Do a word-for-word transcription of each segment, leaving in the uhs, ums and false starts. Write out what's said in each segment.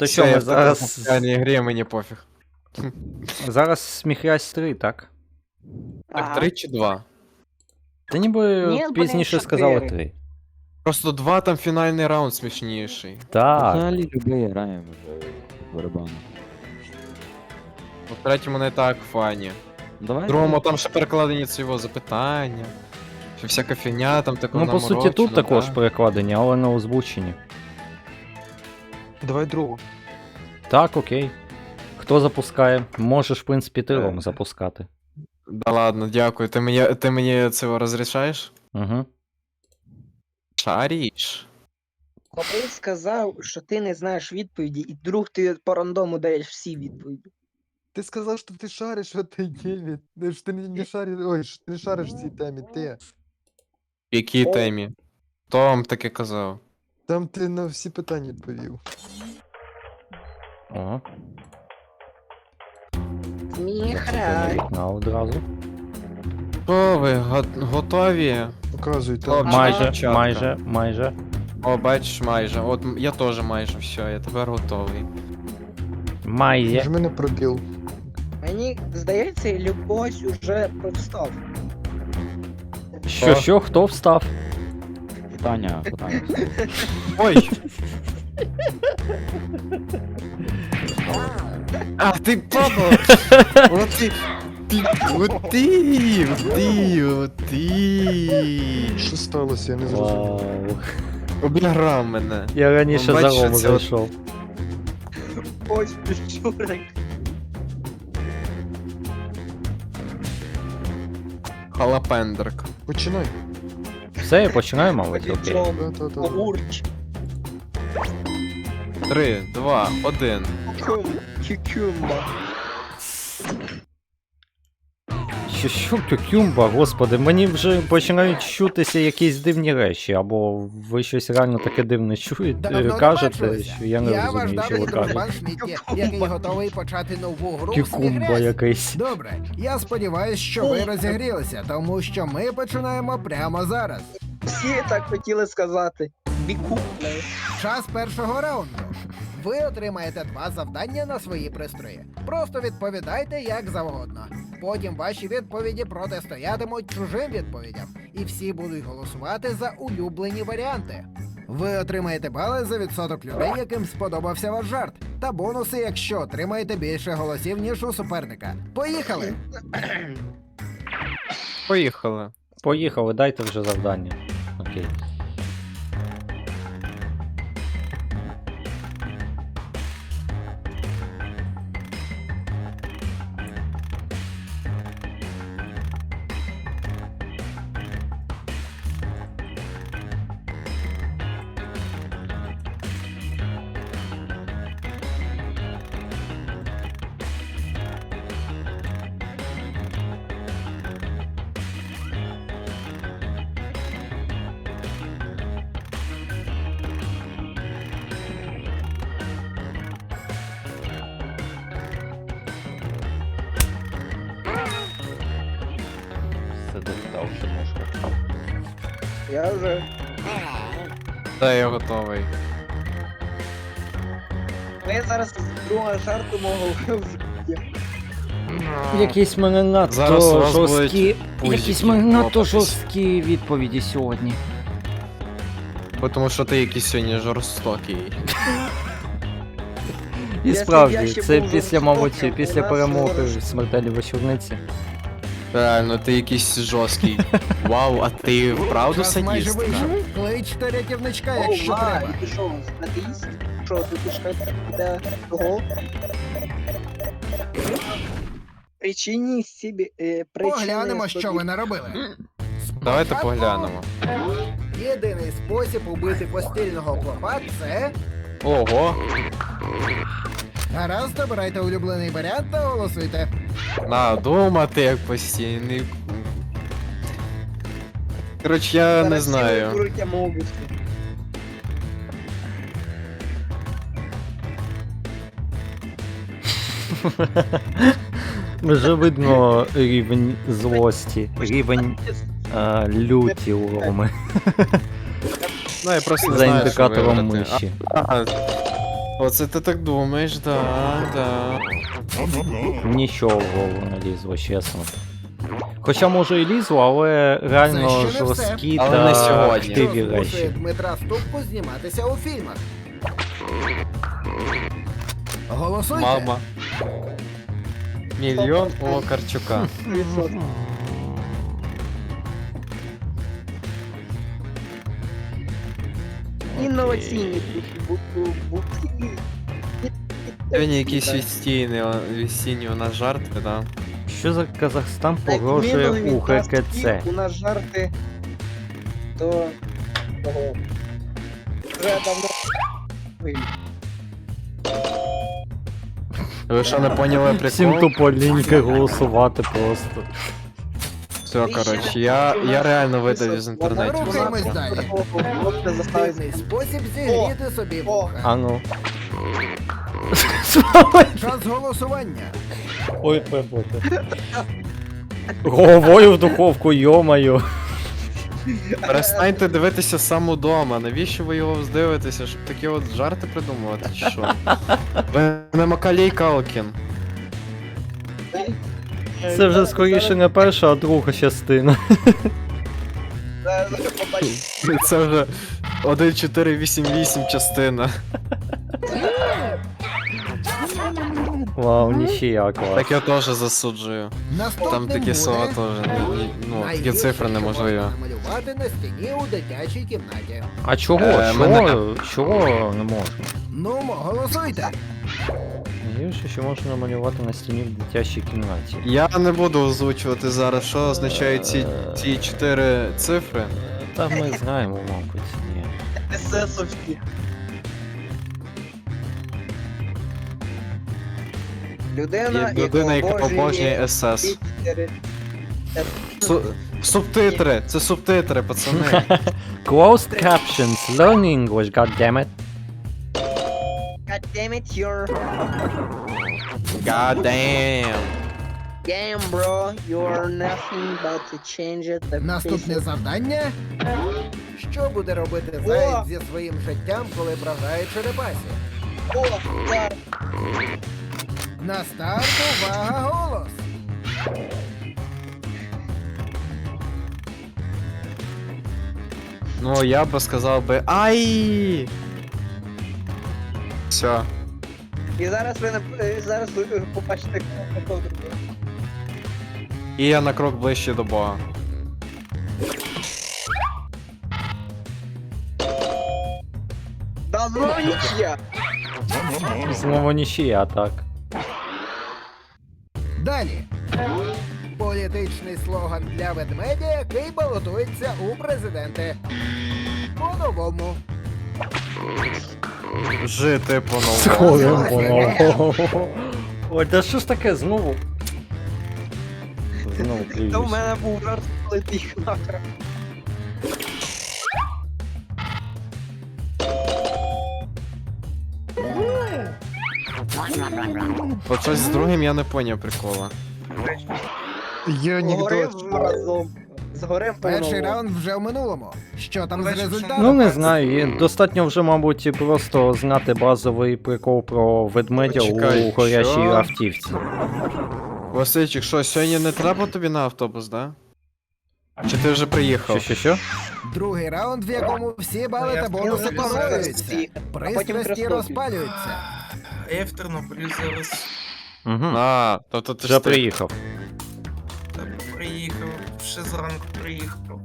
То що, ми зараз... В такій грі мені пофіг. Зараз сміхрясь три, так? Так, Ага. три чи два? Та ніби Ні, блін, пізніше чотири. сказали три. Просто два там фінальний раунд смішніший. Так. Взагалі любий граємо вже в барабану. У третьому не так фані. Давай. В другому там ще перекладені цього запитання. Ще всяка фігня там таку Ну, по суті, тут також перекладені, але не озвучені. Давай другу. Так, окей. Хто запускає? Можеш, в принципі, ти, Ром, Е. запускати. Да ладно, дякую. Ти мені, ти мені це розрішаєш? Угу. Шаріш. Коли сказав, що ти не знаєш відповіді, і друг ти по рандому даєш всі відповіді. Ти сказав, що ти шариш в этой темі. Ну, що ти не, не шариш. Ой, що ти не шариш в цій темі, ти. В якій О. темі? Хто вам таке казав? Там ти на всі питання відповів. Ага. Сміхрай. На одразу. Що ви, го- готові? Показуй там. Хлопчик. Майже, дівчатка. майже, майже. О, бачиш, майже. От м- я теж майже все, я тепер готовий. Майже. Ж мене пробіл. Мені здається, Любось уже повстав. Що, О. що, хто встав? Питання, питання. Ой! А, ти папа! От ти! Ти! От ти! От ти! От ти! Що сталося, я не зрозумів. Вау. Обіграв мене. Я раніше Ну, за бачиш, Рому це от- зайшов. Ось піщурик. Халапендрик. Починай. Все, я починаю, мабуть, окей. Та-та-та. Огурч. Три, два, один. Кюкюмба. Що, що, кюкюмба, господи, мені вже починають чутися якісь дивні речі, або ви щось реально таке дивне чуєте, Давно не кажете, бачилися. що я не Я ваш розумію, що ви давній друг кажете. пан Шмітті, який готовий почати нову гру в Кюкумба Смігресі. якийсь. Добре, я сподіваюся, що ви розігрілися, тому що ми починаємо прямо зараз. Всі так хотіли сказати. Бікупне. Час першого раунду. Ви отримаєте два завдання на свої пристрої. Просто відповідайте як завгодно. Потім ваші відповіді протистоятимуть чужим відповідям, і всі будуть голосувати за улюблені варіанти. Ви отримаєте бали за відсоток людей, яким сподобався ваш жарт, та бонуси, якщо отримаєте більше голосів, ніж у суперника. Поїхали! Поїхали. Поїхали, дайте вже завдання. Окей. Все достав, що можна. Я вже. Та я готовий. Ми зараз з другого жарту мого вже. Якісь мене надто Зараз у вас жорсткі. будуть Якісь пузики мене надто лопатись. жорсткі відповіді сьогодні. Бо тому що ти якийсь сьогодні жорстокий. І Якщо б справді, я ще це був після, жорстоким, мабуть, у після нас перемоги зараз- в смертельній вечорниці. Реально, ти якийсь жорсткий. Вау, а ти вправду Час майже садіст? вийшов. Кличте рятівничка, О, якщо ма, треба. і ти що, атеїст? Що, ти пішка для того? Причині собі... Е, причини Поглянемо, що собі. ви наробили. Давайте Спочатку поглянемо. Єдиний спосіб убити постільного клопа – це... Ого, Гаразд, обирайте улюблений варіант та голосуйте. надумати як постійний. Коротше, я не Зараз знаю. всі виберуть Амогуса. Вже видно рівень злості, рівень е, люті у Роми Ну, я просто не за знаю, що індикатором вибрати. миші. А, Оце ти так думаєш, да, да. Нічого в голову не лізло, чесно. Хоча може і лізло, але реально Це ще не все. жорсткі Але та не сьогодні. Що хтиві змушує речі. Дмитра Ступку зніматися у фільмах? Голосуйте. Мама. Мільйон у Локарчука. Інноваційні бу- бу- бу- Сьогодні якісь відстійні, відстійні у нас жарти, да. Що за Казахстан Так, погрожує мінули у від нас ГКЦ? такі, У нас жарти, то того. Вже давно вийшли. Ви що не поняли Всім прикол? тупо ліньки голосувати просто. Все, коротше, я, я реально видав із інтернету. Рухаємось далі. Дивний спосіб зігріти собі вуха. А ну. Час голосування. Ой, пеботе. Головою в духовку, йомаю. Перестаньте дивитися сам удома. Навіщо ви його здивитеся, щоб такі от жарти придумувати, чи що? Ви не Макалій Калкін. Це вже скоріше не перша, а друга частина. Це вже один чотири вісім вісім частина. Вау, ніхія клас. Так я теж засуджую. Наступним Там такі буде слова теж, ні- ні- ну, такі найгірше, цифри що неможливі. можна намалювати на стіні у дитячій кімнаті. А чого? Е, Чого? мене- Чого не можна? Ну, мо, голосуйте. Найгірше, що можна намалювати на стіні в дитячій кімнаті. Я не буду озвучувати зараз, що означають ці, ці чотири цифри. Та ми знаємо, мабуть, ні. Есесовські. Людина, Є людина, яка обожнює ес ес. Пітери. Су- Субтитри, це субтитри, пацани. Closed captions, learn English, goddammit. God damn it, you're God damn. damn, bro. You're nothing but to change it. The Наступне face- завдання. Що буде робити заєць зі своїм життям, коли бражає черепасі? О, так. На старт, увага, голос! Ну, я би сказав би ай. Все. І зараз ви нап- е, зараз ви е, побачите кого другого. І я на крок ближче до Бога. Да знову нічия. Знову ніхія, так. Далі. Політичний слоган для ведмедя, який балотується у президенти. По-новому. Жити по-новому. Сходим по-новому. Ой, та що ж таке знову? Знову То в плююсь. мене був жарт, коли ти їх нахрен. От щось з другим я не поняв прикола. Є Згорим анекдот. разом. Згорим Перший по-новому. раунд вже в минулому. Що там з Перший результатом? Ну не знаю, і достатньо вже, мабуть, просто знати базовий прикол про ведмедя Почекай, у горячій що? автівці. Васильчик, що, сьогодні не треба тобі на автобус, да? Чи ти вже приїхав? Що, що, що? Другий раунд, в якому всі бали Я та бонуси хотів зараз подвоюються. приїхати, а потім Пристрасті Краснові. розпалюються. А я в Тернополі зараз Угу. А, тобто ти Вже ж ти- приїхав. там приїхав, ще зранку приїхав.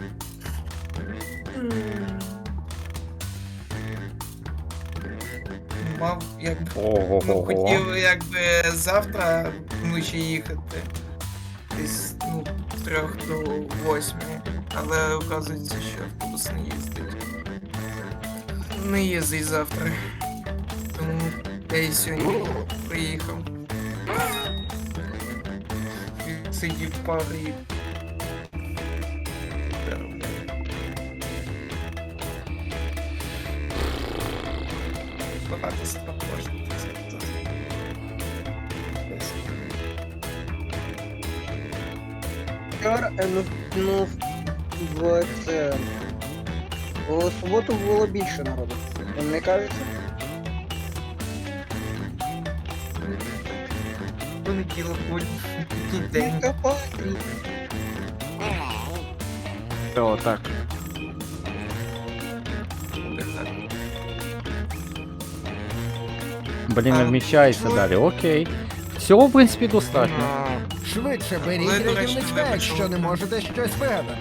Мав якби ну, Ого-го-го. хотів якби завтра вночі їхати. Десь ну, з трьох до восьми. Але оказується, що автобус не їздить. Не їздить завтра. Тому я і сьогодні приїхав. Сидів в парі. Багато справ можна сказати. Вчора, е, ну, ну, в це. У суботу було більше народу. Вам не кажеться? понеділок, будь день. Копати. О, так. Блін, не вміщається далі. Окей. Всього, в принципі, достатньо. Швидше Але, беріть до речі, рятівничка, не якщо почув. не можете щось вигадати.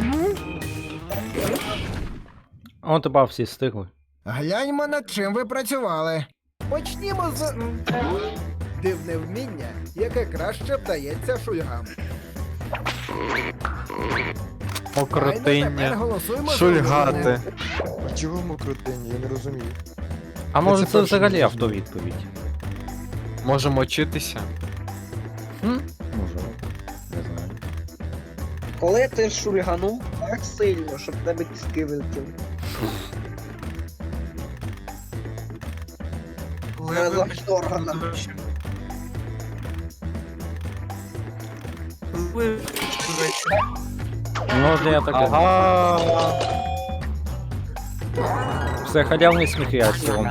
О, тебе всі встигли. Гляньмо, над чим ви працювали. Почнімо з дивне вміння, яке краще вдається шульгам. Файно, тепер Окрутиння. голосуємо за Шульгати. улюблене. А чого мокротиння? Я не розумію. А може це це перше взагалі не автовідповідь? Можемо вчитися. Хм? Може. Не знаю. Коли ти шульганув так сильно, щоб в тебе кістки вилетіли. Коли Я ви завжди органа. до речі. Коли ви, до речі, Ну, от я таке. Ага. Все халявний сміх я цілом.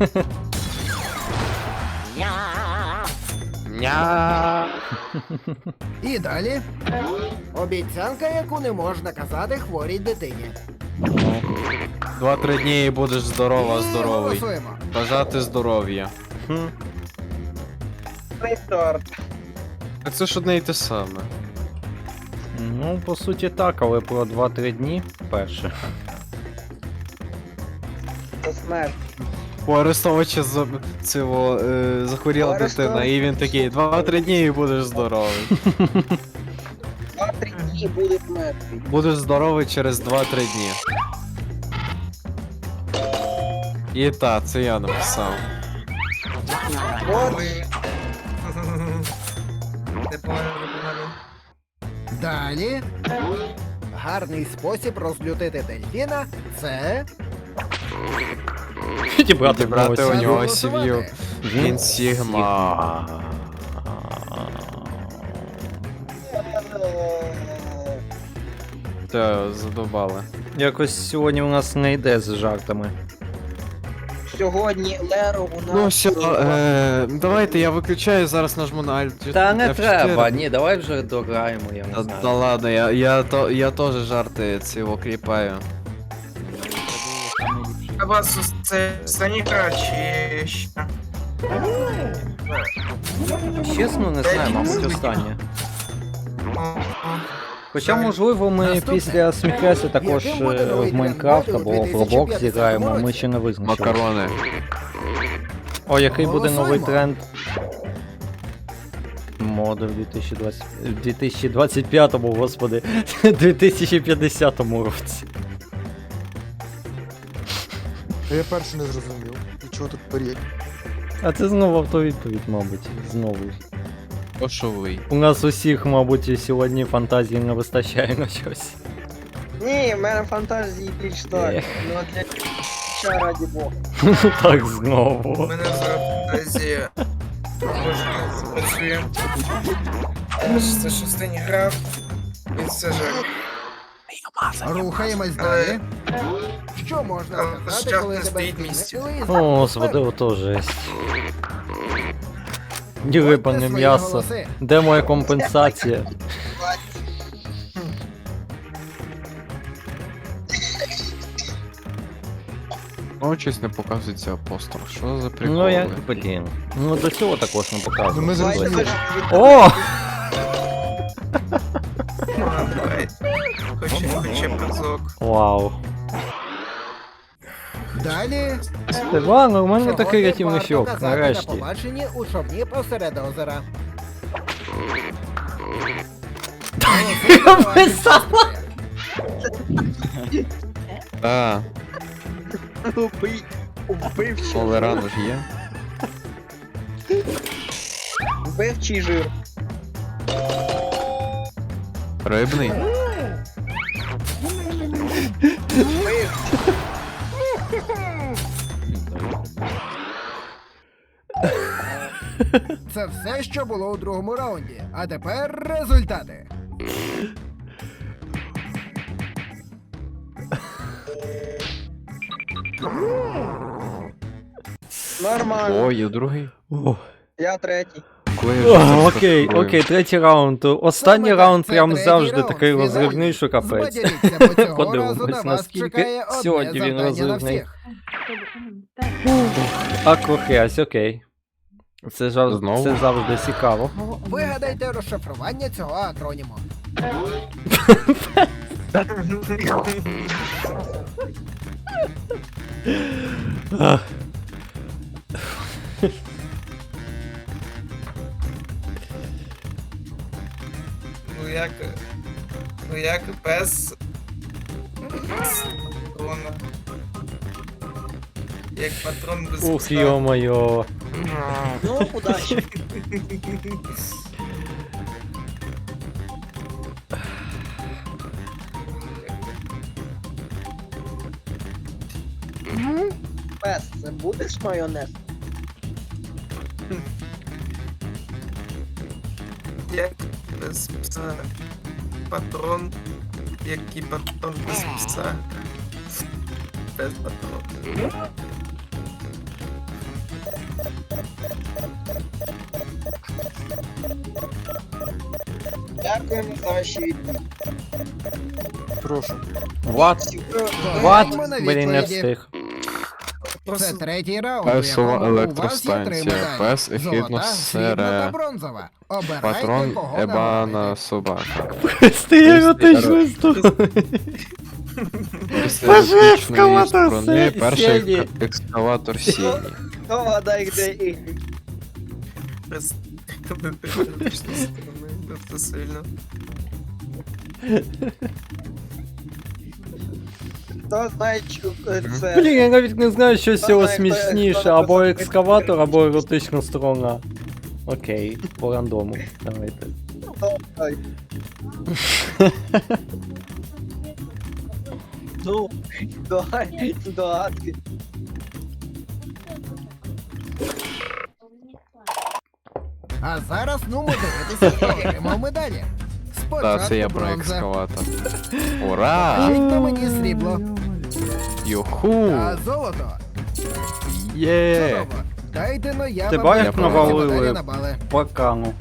Ня. І далі. Обіцянка, яку не можна казати хворій дитині. Два-три дні і будеш здорова, І здоровий. голосуємо. Бажати здоров'я. Хм. Рестарт. Так це ж одне й те саме. Ну, по суті так, але про два-три дні перше. Це смерть. У Арестовича за... цього, е, захворіла Арестов- дитина, і він такий, два-три дні і будеш здоровий. Два-три дні буде мертвий. Будеш здоровий через два-три дні. І та, це я написав. От ви... Непогано, непогано. Далі. Гарний спосіб розлютити дельфіна це Підібрати Підібрати в у нього нього голосувати. сім'ю. Він Сігма. Та, задобали. Якось сьогодні у нас не йде з жартами. сьогодні Леро у нас. Ну все, е, давайте я виключаю, зараз нажму на Alt. Та не F чотири. треба, ні, давай вже дограємо, я не Та, знаю. та ладно, я, я, то, я теж жарти цього кліпаю. А вас це останній гра чи ще? Чесно, не знаю, мабуть, останнє. О, о. Хоча, можливо, ми Наступне. після сміхресу також Яким буде е, новий в Майнкрафт тренд або в моди у Roblox зіграємо, ми році? ще не визначили. Макарони. О, який буде новий Голосуємо. тренд? Моди в дві тисячі двадцять... в дві тисячі двадцять п'ятому, господи, дві тисячі п'ятдесятому році. Та я перше не зрозумів. І чого тут поріг? А це знову автовідповідь, мабуть. Знову. Пошовий. У нас усіх, мабуть, сьогодні фантазії не вистачає на щось. Ні, в мене фантазії більш так. Ех. Ну для ча раді Бога. Так У знову. мене зараз фантазія може працює. Це ж останній гра. І це жаль. рухаємось Але- далі. Що можна Але сказати, час коли не тебе стоїть місці. змінили О, господи, ото жесть. Ні випане м'ясо. Де моя компенсація? Ну, щось не показується апостол. Що за приколи? Ну як, блін. Ну до цього також не Ну, ми показували. зрозуміли. О! А, давай. Хоче, хоче разок. Вау. Далі. Іван, нормальний Сьогодні такий рятівний варто щок, казати На нарешті. побаченні у човні посеред озера. Писала. А, Убий. Убив чи Олерано ж є. Вбив чи жир. Рибний. Вбив. Це все, що було у другому раунді. А тепер результати. Нормально. Ой, і другий. О, Я третій. Коли я вже це О, окей, стартую. окей, третій раунд. Останній Саме раунд так, це прям третій завжди раунд, такий фінальний. розривний, що капець. Збадьоріться, бо цього Подивимось, разу на вас наскільки чекає одне сьогодні він завдання на розривний. всіх. Акрохрязь, окей. Це, жав... Знову? це завжди цікаво. Вигадайте розшифрування цього акроніму. Ах. Ну як. Ну як без. Патрона. Як патрон без Ух, пса. йо-моє. Ну, удачі. Пес, це будеш майонез? Як без пса. Патрон. Який патрон без пса. Без патрона. Дякуємо за ваші відповіді. Прошу. What? What? What? Блін, не встиг. Це Просто третій раунд, у Песова якому у вас є три електростанція, медалі. пес ехідно Золота, срібна та сере, бронзова. Обирайте, патрон кого ебана нагородити. собака. Стій еротичну історію. Після Боже, еротичної екскаватор сторони Сі- перший Сені. ек- екскаватор Сіні. Хто вгадає, де ігри? без технологічної сторони. Це сильно. Хто знає, що е, це... Блін, я навіть не знаю, що з цього Знаю, хто- смішніше, хто або написав. екскаватор, або еротична сторона. Окей, по рандому. Давайте. Ой. Ну, догадки, догадки. А зараз ну дивитися, хто отримав медалі. Спочатку Та, це я про бронза. екскаватор. Ура! Покажіть на мені срібло. Юху! А золото. Є! Чудово. Дайте но я Ти вам бачиш, відповідь навалили? медалі на бали. Покану.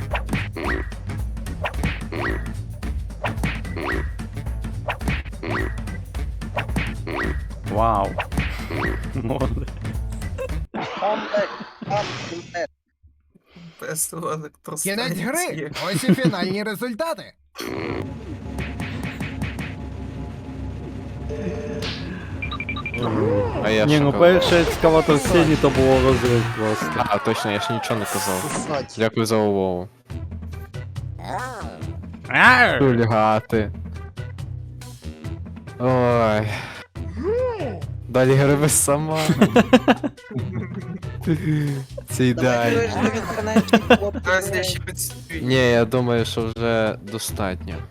Вау. Молодець. Комплект, там, комплект. Без Кінець електростанції. гри. Ось і фінальні результати. А я Ні, що ну казав? перший екскаватор Сені то було розрив просто. А, точно, я ж нічого не казав. Кстати. Дякую за увагу. Ар! Хулігати. Ой. Далі гриби сама. Це Давай, ідеально. ви ж в інтернеті, хлопці, Зараз я ще підсвічую. Ні, я думаю, що вже достатньо.